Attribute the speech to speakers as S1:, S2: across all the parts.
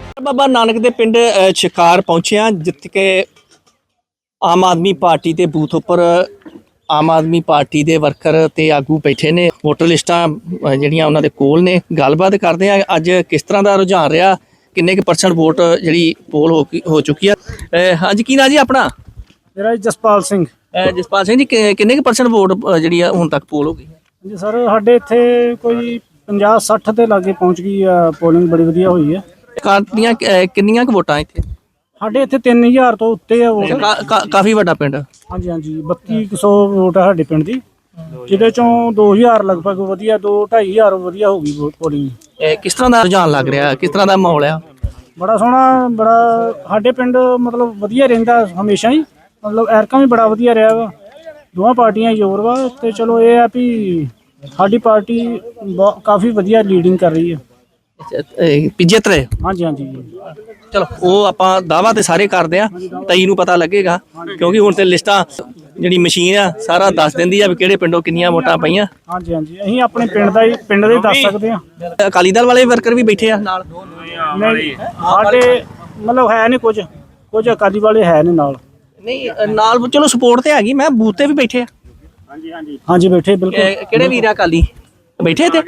S1: ਬਾਬਾ ਨਾਨਕ ਦੇ ਪਿੰਡ ਸ਼ਿਕਾਰ ਪਹੁੰਚਿਆ ਜਿੱਥੇ ਕਿ ਆਮ ਆਦਮੀ ਪਾਰਟੀ ਦੇ ਬੂਥ ਉੱਪਰ ਆਮ ਆਦਮੀ ਪਾਰਟੀ ਦੇ ਵਰਕਰ ਤੇ ਆਗੂ ਬੈਠੇ ਨੇ। ਵੋਟਰ ਲਿਸਟਾਂ ਜਿਹੜੀਆਂ ਉਹਨਾਂ ਦੇ ਕੋਲ ਨੇ। ਗੱਲਬਾਤ ਕਰਦੇ ਆ ਅੱਜ ਕਿਸ ਤਰ੍ਹਾਂ ਦਾ ਰੁਝਾਨ ਰਿਹਾ, ਕਿੰਨੇ ਕੁ % ਵੋਟ ਜਿਹੜੀ ਪੋਲ ਹੋ ਚੁੱਕੀ ਆ। ਹਾਂਜੀ, ਕੀ ਨਾਂ ਜੀ ਆਪਣਾ?
S2: ਮੇਰਾ ਜਸਪਾਲ ਸਿੰਘ।
S1: ਜਸਪਾਲ ਸਿੰਘ ਜੀ, ਕਿੰਨੇ ਕੁ % ਵੋਟ ਜਿਹੜੀ ਆ ਹੁਣ ਤੱਕ ਪੋਲ ਹੋ ਗਈ?
S2: ਜੀ ਸਰ, ਸਾਡੇ ਇੱਥੇ ਕੋਈ 50-60 ਦੇ ਲਾਗੇ ਪਹੁੰਚ ਗਈ ਆ। ਪੋਲਿੰਗ ਬੜੀ ਵਧੀਆ ਹੋਈ ਹੈ।
S1: ਦੀਆਂ ਕਿੰਨੀਆਂ ਕੁ ਵੋਟਾਂ ਇੱਥੇ?
S2: ਸਾਡੇ ਇੱਥੇ 3000 ਤੋਂ ਉੱਤੇ ਆ ਵੋਟ।
S1: ਕਾਫੀ ਵੱਡਾ ਪਿੰਡ।
S2: ਹਾਂਜੀ ਹਾਂਜੀ, 3200 ਵੋਟ ਆ ਸਾਡੇ ਪਿੰਡ ਦੀ, ਜਿਹਦੇ ਚੋਂ 2000 ਲਗਭਗ ਵਧੀਆ, 2-2500 ਵਧੀਆ ਹੋ ਗਈ ਪੋਲਿੰਗ।
S1: ਕਿਸ ਤਰ੍ਹਾਂ ਦਾ ਰੁਝਾਨ ਲੱਗ ਰਿਹਾ, ਕਿਸ ਤਰ੍ਹਾਂ ਦਾ ਮਾਹੌਲ ਆ?
S2: ਬੜਾ ਸੋਹਣਾ, ਬੜਾ ਸਾਡੇ ਪਿੰਡ ਮਤਲਬ ਵਧੀਆ ਰਹਿੰਦਾ ਹਮੇਸ਼ਾ ਹੀ, ਮਤਲਬ ਐਰਕਾਂ ਵੀ ਬੜਾ ਵਧੀਆ ਰਿਹਾ ਵਾ। ਦੋਵਾਂ ਪਾਰਟੀਆਂ ਜ਼ੋਰ ਵਾ ਤੇ ਚਲੋ ਇਹ ਆ ਵੀ ਸਾਡੀ ਪਾਰਟੀ ਕਾਫੀ ਵਧੀਆ ਲੀਡਿੰਗ ਕਰ ਰਹੀ ਹੈ।
S1: ਜਿੱਤ ਰਹੇ?
S2: ਹਾਂਜੀ ਹਾਂਜੀ।
S1: ਚਲੋ ਉਹ ਆਪਾਂ ਦਾਅਵਾ ਤੇ ਸਾਰੇ ਕਰਦੇ ਆ, 23 ਨੂੰ ਪਤਾ ਲੱਗੇਗਾ, ਕਿਉਂਕਿ ਹੁਣ ਤੇ ਲਿਸਟਾਂ ਜਿਹੜੀ ਮਸ਼ੀਨ ਆ ਸਾਰਾ ਦੱਸ ਦਿੰਦੀ ਆ ਵੀ ਕਿਹੜੇ ਪਿੰਡੋਂ ਕਿੰਨੀਆਂ ਵੋਟਾਂ ਪਈਆਂ।
S2: ਹਾਂਜੀ ਹਾਂਜੀ, ਅਸੀਂ ਆਪਣੇ ਪਿੰਡ ਦਾ ਹੀ ਦੱਸ ਸਕਦੇ ਹਾਂ।
S1: ਅਕਾਲੀ ਦਲ ਵਾਲੇ ਵਰਕਰ ਵੀ ਬੈਠੇ ਆ ਨਾਲ?
S2: ਨਹੀਂ, ਸਾਡੇ ਮਤਲਬ ਹੈ ਨਹੀਂ, ਕੁਝ ਅਕਾਲੀ ਵਾਲੇ ਹੈ ਨੇ ਨਾਲ।
S1: ਨਹੀਂ ਨਾਲ ਚਲੋ ਸਪੋਰਟ ਤੇ ਹੈਗੀ, ਮੈਂ ਬੂਥ ਤੇ ਵੀ ਬੈਠੇ ਆ।
S2: ਹਾਂਜੀ ਹਾਂਜੀ ਹਾਂਜੀ, ਬੈਠੇ ਬਿਲਕੁਲ।
S1: ਕਿਹੜੇ ਵੀਰ ਆ ਅਕਾਲੀ ਬੈਠੇ ਤੇ?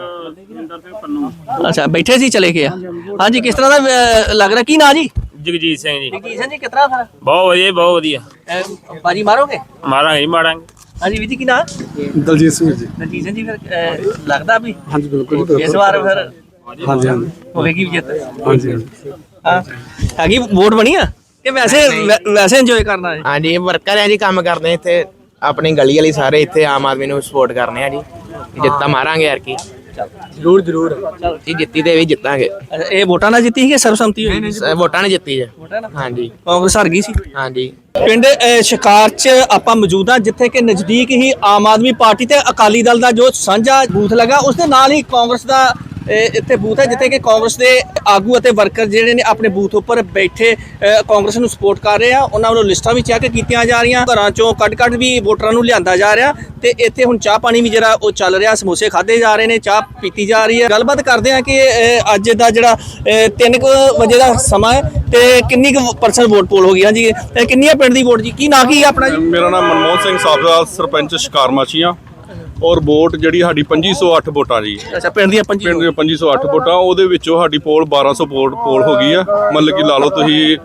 S1: ਅੱਛਾ, ਬੈਠੇ ਸੀ, ਚਲੇ ਗਏ ਆ। ਹਾਂਜੀ, ਕਿਸ ਤਰ੍ਹਾਂ ਦਾ ਲੱਗ ਰਿਹਾ? ਕੀ ਨਾਂ ਜੀ?
S3: ਜਗਜੀਤ ਸਿੰਘ ਜੀ।
S1: ਜਗਜੀਤ ਸਿੰਘ ਜੀ, ਕਿਤਨਾ ਫਿਰ?
S3: ਬਹੁਤ ਵਧੀਆ, ਬਹੁਤ ਵਧੀਆ।
S1: ਬਾਜੀ ਮਾਰੋਗੇ?
S3: ਮਾਰਾਂਗੇ ਜੀ, ਮਾਰਾਂਗੇ।
S1: ਹਾਂਜੀ ਵੀਰ ਜੀ, ਕੀ ਨਾਂ?
S4: ਦਲਜੀਤ ਸਿੰਘ ਜੀ।
S1: ਦਲਜੀਤ ਸਿੰਘ ਜੀ, ਫਿਰ ਲੱਗਦਾ ਵੀ
S4: ਹਾਂਜੀ ਬਿਲਕੁਲ
S1: ਇਸ ਵਾਰ ਫਿਰ
S4: ਹਾਂਜੀ ਹਾਂਜੀ
S1: ਹੋਵੇਗੀ ਜਿੱਤ?
S4: ਹਾਂਜੀ ਹਾਂਜੀ।
S1: ਹਾਂ, ਹੈਗੀ ਵੋਟ ਬਣੀ ਆ ਕਿ ਵੈਸੇ ਇੰਜੋਏ ਕਰਨਾ ਹੈ?
S5: ਹਾਂਜੀ, ਵਰਕਰ ਹੈ ਜੀ, ਕੰਮ ਕਰਦੇ ਇੱਥੇ ਆਪਣੀ ਗਲੀ ਵਾਲੀ ਸਾਰੇ ਇੱਥੇ ਆਮ ਆਦਮੀ ਨੂੰ ਸਪੋਰਟ ਕਰਨੇ ਆ ਜੀ। ਜਿੱਤਾਂ ਮਾਰਾਂਗੇ ਯਾਰ ਕੀ। ਜ਼ਰੂਰ ਜੀ, ਜਿੱਤੀ ਤੇ ਵੀ ਜਿੱਤਾਂਗੇ।
S1: ਇਹ ਵੋਟਾਂ ਨਾਲ ਜਿੱਤੀ ਸੀ ਕਿ ਸਰਬਸੰਮਤੀ ਹੋਈ?
S5: ਵੋਟਾਂ ਨੇ ਜਿੱਤੀ ਜੀ। ਹਾਂਜੀ,
S1: ਕਾਂਗਰਸ ਹਾਰ ਗਈ ਸੀ।
S5: ਹਾਂਜੀ।
S1: ਪਿੰਡ ਸ਼ਿਕਾਰ 'ਚ ਆਪਾਂ ਮੌਜੂਦ ਹਾਂ, ਜਿੱਥੇ ਕਿ ਨਜ਼ਦੀਕ ਹੀ ਆਮ ਆਦਮੀ ਪਾਰਟੀ ਤੇ ਅਕਾਲੀ ਦਲ ਦਾ ਜੋ ਸਾਂਝਾ ਬੂਥ ਲੱਗਾ, ਉਸ ਦੇ ਨਾਲ ਹੀ ਕਾਂਗਰਸ ਦਾ ਇੱਥੇ ਬੂਥ ਹੈ, ਜਿੱਥੇ ਕਿ ਕਾਂਗਰਸ ਦੇ ਆਗੂ ਅਤੇ ਵਰਕਰ ਜਿਹੜੇ ਨੇ ਆਪਣੇ ਬੂਥ ਉੱਪਰ ਬੈਠੇ ਕਾਂਗਰਸ ਨੂੰ ਸਪੋਰਟ ਕਰ ਰਹੇ ਆ। ਉਹਨਾਂ ਵੱਲੋਂ ਲਿਸਟਾਂ ਵੀ ਚੈੱਕ ਕੀਤੀਆਂ ਜਾ ਰਹੀਆਂ, ਘਰਾਂ ਚੋਂ ਕੱਢ ਵੀ ਵੋਟਰਾਂ ਨੂੰ ਲਿਆਂਦਾ ਜਾ ਰਿਹਾ ਤੇ ਇੱਥੇ ਹੁਣ ਚਾਹ ਪਾਣੀ ਵੀ ਜਿਹੜਾ ਉਹ ਚੱਲ ਰਿਹਾ, ਸਮੋਸੇ ਖਾਦੇ ਜਾ ਰਹੇ ਨੇ, ਚਾਹ ਪੀਤੀ ਜਾ ਰਹੀ ਹੈ। ਗੱਲਬਾਤ ਕਰਦੇ ਆ ਕਿ ਅੱਜ ਦਾ ਜਿਹੜਾ 3 ਵਜੇ ਦਾ ਸਮਾਂ ਹੈ ਤੇ ਕਿੰਨੀ ਕੁ % ਵੋਟ ਪੋਲ ਹੋ ਗਈ? ਹਾਂਜੀ, ਕਿੰਨੀਆਂ ਪਿੰਡ ਦੀ ਵੋਟ ਜੀ? ਕੀ ਨਾਂ ਕੀ ਆਪਣਾ ਜੀ?
S6: ਮੇਰਾ ਨਾਮ ਮਨਮੋਹਨ ਸਿੰਘ ਸਾਬਕਾ ਸਰਪੰਚ ਸ਼ਿਕਾਰ ਮਾਛੀਆਂ। ਔਰ ਵੋਟ ਜਿਹੜੀ ਸਾਡੀ 2508 ਵੋਟਾਂ ਜੀ।
S1: ਅੱਛਾ, ਪਿੰਡ ਦੀਆਂ
S6: 2508 ਵੋਟਾਂ, ਉਹਦੇ ਵਿੱਚੋਂ ਸਾਡੀ ਪੋਲ 1200 ਵੋਟ ਪੋਲ ਹੋ ਗਈ ਆ। ਮਤਲਬ ਕਿ ਲਾ ਲਓ ਤੁਸੀਂ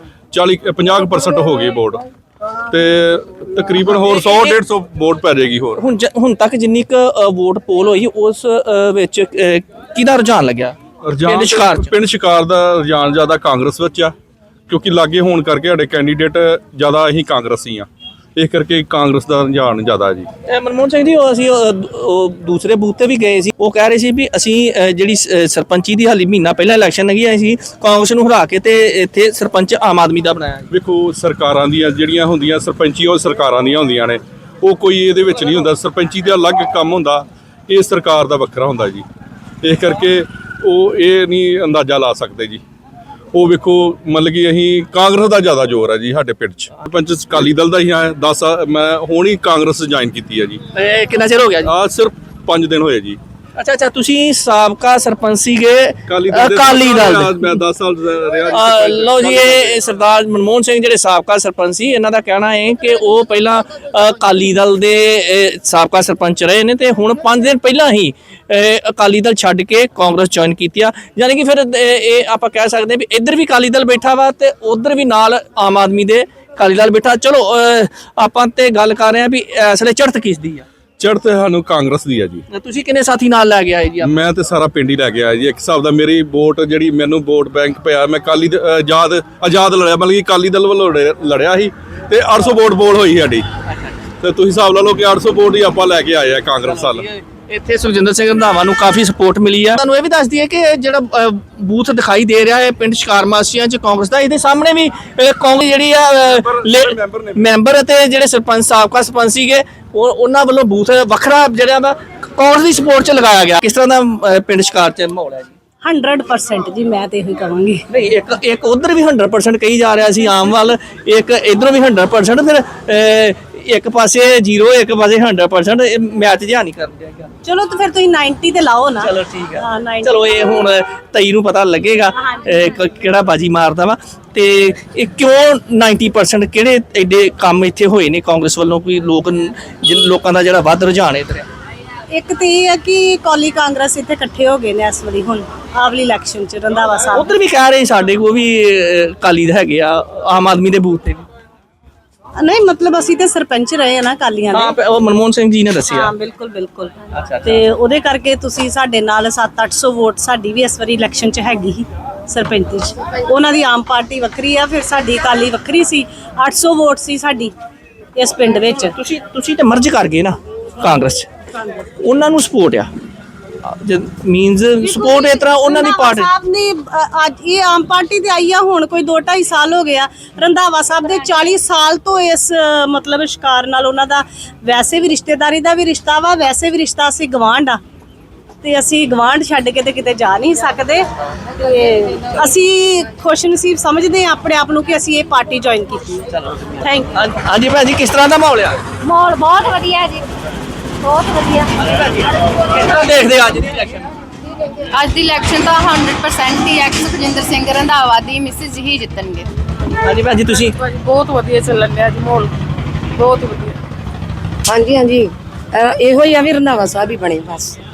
S6: 50% ਹੋ ਗਈ ਵੋਟ ਤੇ ਤਕਰੀਬਨ ਹੋਰ 100-150 ਵੋਟ ਪੈ ਜਾਏਗੀ ਹੋਰ।
S1: ਹੁਣ ਤੱਕ ਜਿੰਨੀ ਕੁ ਵੋਟ ਪੋਲ ਹੋਈ ਉਸ ਵਿੱਚ ਕਿਹਦਾ ਰੁਝਾਨ ਲੱਗਿਆ?
S6: ਪਿੰਡ ਸ਼ਿਕਾਰ ਦਾ ਰੁਝਾਨ ਜ਼ਿਆਦਾ ਕਾਂਗਰਸ ਵਿੱਚ ਆ, ਕਿਉਂਕਿ ਲਾਗੇ ਹੋਣ ਕਰਕੇ ਸਾਡੇ ਕੈਂਡੀਡੇਟ ਜ਼ਿਆਦਾ ਅਸੀਂ ਕਾਂਗਰਸੀ ਆ, ਇਸ ਕਰਕੇ ਕਾਂਗਰਸ ਦਾ ਰੁਝਾਨ ਜ਼ਿਆਦਾ ਜੀ।
S1: ਮਨਮੋਹਨ ਸਿੰਘ ਜੀ, ਅਸੀਂ ਦੂਸਰੇ ਬੂਥ ਤੇ ਵੀ ਗਏ ਸੀ, ਉਹ ਕਹਿ ਰਹੇ ਸੀ ਵੀ ਅਸੀਂ ਜਿਹੜੀ ਸਰਪੰਚੀ ਦੀ ਹਾਲੀ ਮਹੀਨਾ ਪਹਿਲਾਂ ਇਲੈਕਸ਼ਨ ਲੱਗੀ ਆ, ਅਸੀਂ ਕਾਂਗਰਸ ਨੂੰ ਹਰਾ ਕੇ ਤੇ ਇੱਥੇ ਸਰਪੰਚ ਆਮ ਆਦਮੀ ਦਾ ਬਣਾਇਆ।
S6: ਵੇਖੋ, ਸਰਕਾਰਾਂ ਦੀਆਂ ਜਿਹੜੀਆਂ ਹੁੰਦੀਆਂ ਸਰਪੰਚੀ, ਉਹ ਸਰਕਾਰਾਂ ਦੀਆਂ ਹੁੰਦੀਆਂ ਨੇ, ਉਹ ਕੋਈ ਇਹਦੇ ਵਿੱਚ ਨਹੀਂ ਹੁੰਦਾ। ਸਰਪੰਚੀ ਦਾ ਅਲੱਗ ਕੰਮ ਹੁੰਦਾ, ਇਹ ਸਰਕਾਰ ਦਾ ਵੱਖਰਾ ਹੁੰਦਾ ਜੀ। ਇਸ ਕਰਕੇ ਉਹ ਇਹ ਨਹੀਂ ਅੰਦਾਜ਼ਾ ਲਾ ਸਕਦੇ ਜੀ। ਉਹ ਵੇਖੋ, ਮਤਲਬ ਕਿ ਅਸੀਂ ਕਾਂਗਰਸ ਦਾ ਜ਼ਿਆਦਾ ਜ਼ੋਰ ਹੈ ਜੀ ਸਾਡੇ ਪਿੰਡ 'ਚ। ਸਰਪੰਚ ਅਕਾਲੀ ਦਲ ਦਾ ਹੀ ਆ। 10 ਮੈਂ ਹੁਣ ਹੀ ਕਾਂਗਰਸ ਜੁਆਇਨ ਕੀਤੀ ਹੈ ਜੀ।
S1: ਕਿੰਨਾ ਚਿਰ ਹੋ ਗਿਆ ਜੀ?
S6: ਸਿਰਫ 5 ਦਿਨ ਹੋਏ ਜੀ।
S1: ਅੱਛਾ, ਤੁਸੀਂ ਸਾਬਕਾ ਸਰਪੰਚ ਸੀਗੇ ਅਕਾਲੀ ਦਲ ਦੇ?
S6: ਮੈਂ 10 ਸਾਲ ਰਿਹਾ।
S1: ਲਓ ਜੀ, ਇਹ ਸਰਦਾਰ ਮਨਮੋਹਨ ਸਿੰਘ ਜਿਹੜੇ ਸਾਬਕਾ ਸਰਪੰਚ ਸੀ, ਇਹਨਾਂ ਦਾ ਕਹਿਣਾ ਹੈ ਕਿ ਉਹ ਪਹਿਲਾਂ ਅਕਾਲੀ ਦਲ ਦੇ ਸਾਬਕਾ ਸਰਪੰਚ ਰਹੇ ਨੇ ਤੇ ਹੁਣ 5 ਦਿਨ ਪਹਿਲਾਂ ਹੀ ਅਕਾਲੀ ਦਲ ਛੱਡ ਕੇ ਕਾਂਗਰਸ ਜੁਆਇਨ ਕੀਤੀ ਆ। ਯਾਨੀ ਕਿ ਫਿਰ ਇਹ ਆਪਾਂ ਕਹਿ ਸਕਦੇ ਹਾਂ ਵੀ ਇੱਧਰ ਵੀ ਅਕਾਲੀ ਦਲ ਬੈਠਾ ਵਾ ਤੇ ਉੱਧਰ ਵੀ ਨਾਲ ਆਮ ਆਦਮੀ ਦੇ ਅਕਾਲੀ ਦਲ ਬੈਠਾ। ਚਲੋ ਆਪਾਂ ਤੇ ਗੱਲ ਕਰ ਰਹੇ ਹਾਂ ਵੀ ਇਸ ਵੇਲੇ ਚੜ੍ਹਤ ਕਿਸ ਦੀ ਆ?
S6: ਚੜ੍ਹਤ ਸਾਨੂੰ ਕਾਂਗਰਸ ਦੀ ਆ ਜੀ।
S1: ਤੁਸੀਂ ਕਿੰਨੇ ਸਾਥੀ ਨਾਲ ਲੈ ਕੇ ਆਏ ਜੀ?
S6: ਮੈਂ ਤੇ ਸਾਰਾ ਪਿੰਡ ਹੀ ਲੈ ਕੇ ਆਇਆ ਜੀ। ਇੱਕ ਹਿਸਾਬ ਦਾ ਮੇਰੀ ਵੋਟ ਜਿਹੜੀ ਮੈਨੂੰ ਵੋਟ ਬੈਂਕ ਪਿਆ, ਮੈਂ ਅਕਾਲੀ ਆਜ਼ਾਦ ਲੜਿਆ, ਮਤਲਬ ਕਿ ਅਕਾਲੀ ਦਲ ਵੱਲੋਂ ਲੜਿਆ ਸੀ ਤੇ 800 ਵੋਟ ਪੋਲ ਹੋਈ ਸਾਡੀ। ਤੇ ਤੁਸੀਂ ਹਿਸਾਬ ਲਾ ਲਓ ਕਿ 800 ਵੋਟ ਹੀ ਆਪਾਂ ਲੈ ਕੇ ਆਏ ਆ ਕਾਂਗਰਸ ਵੱਲ।
S1: ਇੱਥੇ ਸੁਖਜਿੰਦਰ ਸਿੰਘ ਰੰਧਾਵਾ ਨੂੰ ਕਾਫੀ ਸਪੋਰਟ ਮਿਲੀ ਆ। ਤੁਹਾਨੂੰ ਇਹ ਵੀ ਦੱਸ ਦਈਏ ਕਿ ਜਿਹੜਾ ਬੂਥ ਦਿਖਾਈ ਦੇ ਰਿਹਾ ਹੈ ਪਿੰਡ ਸ਼ਿਕਾਰ ਮਾਸੀਆਂ 'ਚ ਕਾਂਗਰਸ ਦਾ, ਇਹਦੇ ਸਾਹਮਣੇ ਵੀ ਕਾਂਗਰਸ ਜਿਹੜੀ ਆ ਮੈਂਬਰ ਅਤੇ ਜਿਹੜੇ ਸਰਪੰਚ ਸਾਬਕਾ ਸਰਪੰਚ ਸੀਗੇ, ਉਹਨਾਂ ਵੱਲੋਂ ਬੂਥ ਵੱਖਰਾ ਜਿਹੜਾ ਵਾ ਕਾਂਗਰਸ ਦੀ ਸਪੋਰਟ 'ਚ ਲਗਾਇਆ ਗਿਆ। ਕਿਸ ਤਰ੍ਹਾਂ ਦਾ ਪਿੰਡ ਸ਼ਿਕਾਰ 'ਚ ਮਾਹੌਲ ਹੈ ਜੀ?
S7: 100% ਜੀ, ਮੈਂ ਤੇ ਇਹੋ ਹੀ ਕਹਾਂਗੀ।
S1: ਨਹੀਂ, ਇੱਕ ਉਧਰ ਵੀ 100% ਕਹੀ ਜਾ ਰਿਹਾ ਸੀ ਆਮ ਵੱਲ, ਇੱਕ ਇਧਰੋਂ ਵੀ 100%। ਫਿਰ ਇੱਕ ਪਾਸੇ 0 ਇੱਕ ਪਾਸੇ 100% ਇਹ ਮੈਚ ਜਿਹਾ ਨਹੀਂ ਕਰਨ ਦਿਆ ਗਿਆ।
S7: ਚਲੋ ਤਾਂ ਫਿਰ ਤੁਸੀਂ 90 ਤੇ ਲਾਓ ਨਾ।
S1: ਚਲੋ ਠੀਕ ਆ।
S7: ਹਾਂ, 90
S1: ਚਲੋ ਇਹ ਹੁਣ 23 ਨੂੰ ਪਤਾ ਲੱਗੇਗਾ ਕਿਹੜਾ ਬਾਜੀ ਮਾਰਦਾ ਵਾ ਤੇ ਇਹ ਕਿਉਂ 90% ਕਿਹੜੇ ਐਡੇ ਕੰਮ ਇੱਥੇ ਹੋਏ ਨੇ ਕਾਂਗਰਸ ਵੱਲੋਂ ਕੋਈ ਲੋਕਾਂ ਦਾ ਜਿਹੜਾ ਵੱਧ ਰੁਝਾਨ ਇਧਰ ਆ।
S7: ਇੱਕ ਤੇ ਇਹ ਆ ਕਿ ਕੌਲੀ ਕਾਂਗਰਸ ਇੱਥੇ ਇਕੱਠੇ ਹੋ ਗਏ ਨੇ ਇਸ ਵਾਰੀ ਹੁਣ ਆਵਲੀ ਇਲੈਕਸ਼ਨ ਚ ਰੰਧਾਵਾ ਸਾਹਿਬ।
S1: ਉਧਰ ਵੀ ਕਹਿ ਰਹੇ ਸਾਡੇ ਕੋਲ ਵੀ ਅਕਾਲੀ ਦੇ ਹੈਗੇ ਆ ਆਮ ਆਦਮੀ ਦੇ ਬੂਥ ਤੇ ਵੀ।
S7: ਨਹੀਂ ਮਤਲਬ ਅਸੀਂ ਤੇ ਸਰਪੰਚ ਰਹੇ ਆ ਨਾ ਅਕਾਲੀਆਂ ਦੇ।
S1: ਹਾਂ ਉਹ ਮਨਮੋਹਨ ਸਿੰਘ ਜੀ ਨੇ ਦੱਸਿਆ।
S7: ਹਾਂ ਬਿਲਕੁਲ ਬਿਲਕੁਲ।
S1: ਅੱਛਾ।
S7: ਤੇ ਉਹਦੇ ਕਰਕੇ ਤੁਸੀਂ ਸਾਡੇ ਨਾਲ 700-800 ਵੋਟ ਸਾਡੀ ਵੀ ਇਸ ਵਾਰੀ ਇਲੈਕਸ਼ਨ 'ਚ ਹੈਗੀ ਸੀ ਸਰਪੰਚ 'ਚ। ਉਹਨਾਂ ਦੀ ਆਮ ਪਾਰਟੀ ਵੱਖਰੀ ਆ, ਫਿਰ ਸਾਡੀ ਅਕਾਲੀ ਵੱਖਰੀ ਸੀ। 800 ਵੋਟ ਸੀ ਸਾਡੀ ਇਸ ਪਿੰਡ ਵਿੱਚ।
S1: ਤੁਸੀਂ ਤੇ ਮਰਜ ਕਰ ਗਏ ਨਾ ਕਾਂਗਰਸ 'ਚ, ਉਹਨਾਂ ਨੂੰ ਸਪੋਰਟ ਆ ਮੀਨਸ ਸਪੋਰਟ ਇਸ ਤਰ੍ਹਾਂ ਉਹਨਾਂ ਦੀ ਪਾਰਟੀ
S7: ਸਾਹਿਬ ਨੇ ਅੱਜ ਇਹ ਆਮ ਪਾਰਟੀ ਤੇ ਆਈ ਆ ਹੁਣ ਕੋਈ 2-2.5 ਸਾਲ ਹੋ ਗਿਆ। ਰੰਧਾਵਾ ਸਾਹਿਬ ਦੇ 40 ਸਾਲ ਤੋਂ ਇਸ ਮਤਲਬ ਸ਼ਿਕਾਰ ਨਾਲ ਉਹਨਾਂ ਦਾ ਵੈਸੇ ਵੀ ਰਿਸ਼ਤੇਦਾਰੀ ਦਾ ਵੀ ਰਿਸ਼ਤਾ ਵਾ, ਵੈਸੇ ਵੀ ਰਿਸ਼ਤਾ ਸੀ ਗਵਾਂਢ ਆ ਤੇ ਅਸੀਂ ਗਵਾਂਢ ਛੱਡ ਕੇ ਤੇ ਕਿਤੇ ਜਾ ਨਹੀਂ ਸਕਦੇ। ਤੇ ਅਸੀਂ ਖੁਸ਼ਨਸੀਬ ਸਮਝਦੇ ਹਾਂ ਆਪਣੇ ਆਪ ਨੂੰ ਕਿ ਅਸੀਂ ਇਹ ਪਾਰਟੀ ਜੁਆਇਨ ਕੀਤੀ। Thank you.
S1: ਹਾਂਜੀ ਭੈਣ ਜੀ ਕਿਸ ਤਰ੍ਹਾਂ ਦਾ ਮਾਹੌਲ ਆ?
S8: ਮਾਹੌਲ ਬਹੁਤ ਵਧੀਆ ਜੀ, ਬਹੁਤ ਵਧੀਆ।
S1: ਕਿਸ ਤਰ੍ਹਾਂ ਦੇਖਦੇ ਅੱਜ ਦੀ ਇਲੈਕਸ਼ਨ?
S8: ਅੱਜ ਦੀ ਇਲੈਕਸ਼ਨ ਤਾਂ 100% ਹੀ ਐਕਸ ਸੁਖਜਿੰਦਰ ਸਿੰਘ ਰੰਧਾਵਾ ਦੀ ਮਿਸਿਸ ਹੀ ਜਿੱਤਣਗੇ।
S1: ਹਾਂਜੀ ਭੈਣ ਜੀ ਤੁਸੀਂ?
S9: ਬਹੁਤ ਵਧੀਆ ਚੱਲਣ ਡਿਆ ਜੀ ਮਾਹੌਲ, ਬਹੁਤ ਵਧੀਆ।
S10: ਹਾਂਜੀ ਇਹੋ ਹੀ ਆ ਵੀ ਰੰਧਾਵਾ ਸਾਹਿਬ ਹੀ ਬਣੇ ਬਸ।